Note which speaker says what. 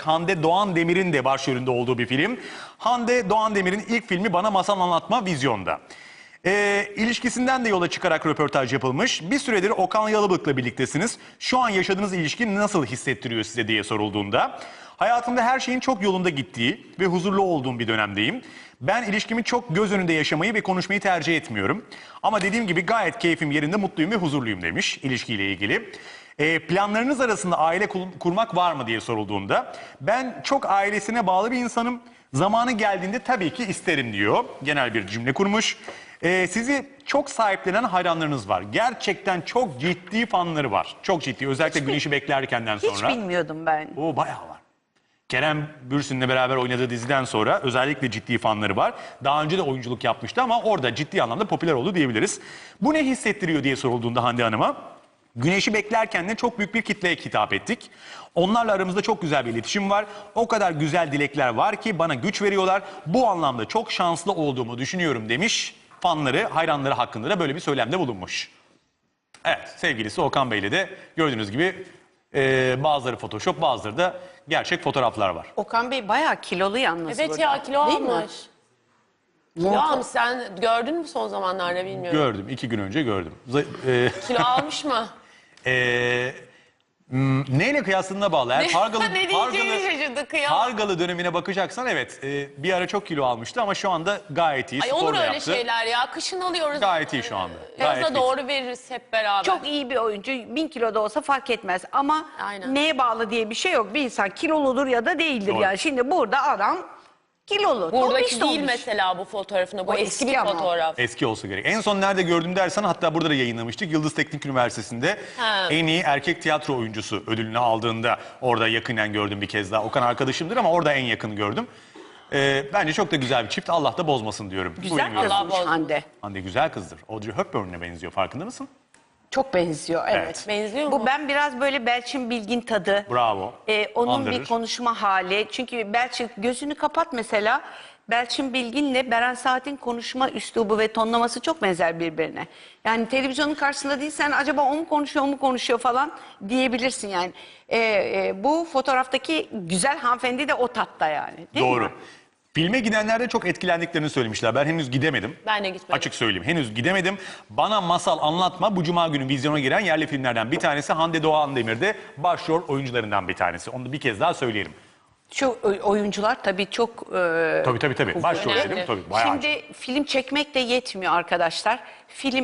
Speaker 1: Hande Doğan Demir'in de başrolünde olduğu bir film. Hande Doğan Demir'in ilk filmi Bana Masal Anlatma vizyonda. İlişkisinden de yola çıkarak röportaj yapılmış. Bir süredir Okan Yalabık'la birliktesiniz. Şu an yaşadığınız ilişki nasıl hissettiriyor size diye sorulduğunda, hayatımda her şeyin çok yolunda gittiği ve huzurlu olduğum bir dönemdeyim. Ben ilişkimi çok göz önünde yaşamayı ve konuşmayı tercih etmiyorum. Ama dediğim gibi gayet keyfim yerinde, mutluyum ve huzurluyum demiş ilişkiyle ilgili. Planlarınız arasında aile kurmak var mı diye sorulduğunda, ben çok ailesine bağlı bir insanım. Zamanı geldiğinde tabii ki isterim diyor. Genel bir cümle kurmuş. Sizi çok sahiplenen hayranlarınız var. Gerçekten çok ciddi fanları var. Çok ciddi. Özellikle Güneşi Beklerken'den sonra.
Speaker 2: Hiç bilmiyordum ben.
Speaker 1: O bayağı var. Kerem Bürsin'le beraber oynadığı diziden sonra özellikle ciddi fanları var. Daha önce de oyunculuk yapmıştı ama orada ciddi anlamda popüler oldu diyebiliriz. Bu ne hissettiriyor diye sorulduğunda Hande Hanım'a, Güneşi Beklerken de çok büyük bir kitleye hitap ettik. Onlarla aramızda çok güzel bir iletişim var. O kadar güzel dilekler var ki bana güç veriyorlar. Bu anlamda çok şanslı olduğumu düşünüyorum demiş. Fanları, hayranları hakkında da böyle bir söylemde bulunmuş. Evet, sevgilisi Okan Bey'le de gördüğünüz gibi bazıları Photoshop, bazıları da gerçek fotoğraflar var.
Speaker 2: Okan Bey bayağı kilolu yalnız
Speaker 3: Evet
Speaker 2: burada.
Speaker 3: ya, kilo
Speaker 2: Değil mi?
Speaker 3: almış. Kilo almış, sen gördün mü son zamanlarda bilmiyorum.
Speaker 1: Gördüm, 2 gün önce gördüm.
Speaker 3: Kilo almış mı?
Speaker 1: Neyle kıyasladığına bağlı. Eğer
Speaker 3: Ne diyeceğini şaşırdı, kıyamam.
Speaker 1: Pargalı dönemine bakacaksan evet, bir ara çok kilo almıştı ama şu anda gayet iyi.
Speaker 3: Ay
Speaker 1: Spor
Speaker 3: olur
Speaker 1: da
Speaker 3: öyle
Speaker 1: yaptı.
Speaker 3: şeyler ya. Kışın alıyoruz.
Speaker 1: Gayet iyi şu anda. Gayet
Speaker 3: Yaza
Speaker 1: fit.
Speaker 3: doğru veririz hep beraber.
Speaker 2: Çok iyi bir oyuncu. 1000 kilo da olsa fark etmez. Ama
Speaker 3: Aynen.
Speaker 2: neye bağlı diye bir şey yok. Bir insan kiloludur ya da değildir.
Speaker 1: Doğru.
Speaker 2: Yani şimdi burada adam kilolu.
Speaker 3: Buradaki
Speaker 2: tombiş
Speaker 3: değil
Speaker 2: tombiş.
Speaker 3: mesela bu fotoğrafında. Bu
Speaker 2: O
Speaker 3: eski
Speaker 2: eski
Speaker 3: bir
Speaker 2: ama.
Speaker 3: fotoğraf.
Speaker 1: Eski olsa gerek. En son nerede gördüm dersen, hatta burada da yayınlamıştık. Yıldız Teknik Üniversitesi'nde
Speaker 3: Ha.
Speaker 1: en iyi erkek tiyatro oyuncusu ödülünü aldığında orada yakinen gördüm bir kez daha. Okan arkadaşımdır ama orada en yakın gördüm. Bence çok da güzel bir çift. Allah da bozmasın diyorum.
Speaker 2: Güzel
Speaker 1: Buyurun.
Speaker 3: Allah
Speaker 2: kızmış
Speaker 3: bozmasın.
Speaker 2: Hande.
Speaker 1: Hande güzel kızdır. Audrey Hepburn'e benziyor, farkında mısın?
Speaker 2: Çok benziyor evet.
Speaker 1: Evet.
Speaker 3: Benziyor
Speaker 2: Bu
Speaker 3: mu?
Speaker 2: ben biraz böyle Belçin Bilgin tadı.
Speaker 1: Bravo.
Speaker 2: Onun
Speaker 1: Andırır.
Speaker 2: bir konuşma hali. Çünkü Belçin gözünü kapat mesela. Belçin Bilgin'le Beren Saat'in konuşma üslubu ve tonlaması çok benzer birbirine. Yani televizyonun karşısında değilsen acaba o mu konuşuyor, o mu konuşuyor falan diyebilirsin yani. Bu fotoğraftaki güzel hanımefendi de o tatta yani. Değil
Speaker 1: Doğru.
Speaker 2: mi?
Speaker 1: Filme gidenler de çok etkilendiklerini söylemişler. Ben henüz gidemedim.
Speaker 3: Ben de gitmedim.
Speaker 1: Açık söyleyeyim, henüz gidemedim. Bana Masal Anlatma bu cuma günü vizyona giren yerli filmlerden bir tanesi. Hande Doğan Demir de başrol oyuncularından bir tanesi. Onu da bir kez daha söyleyelim.
Speaker 2: Şu oyuncular tabii çok...
Speaker 1: Tabii. Başrol
Speaker 3: Önemli.
Speaker 1: dedim tabii. Bayağı.
Speaker 2: Şimdi film çekmek de yetmiyor arkadaşlar. Film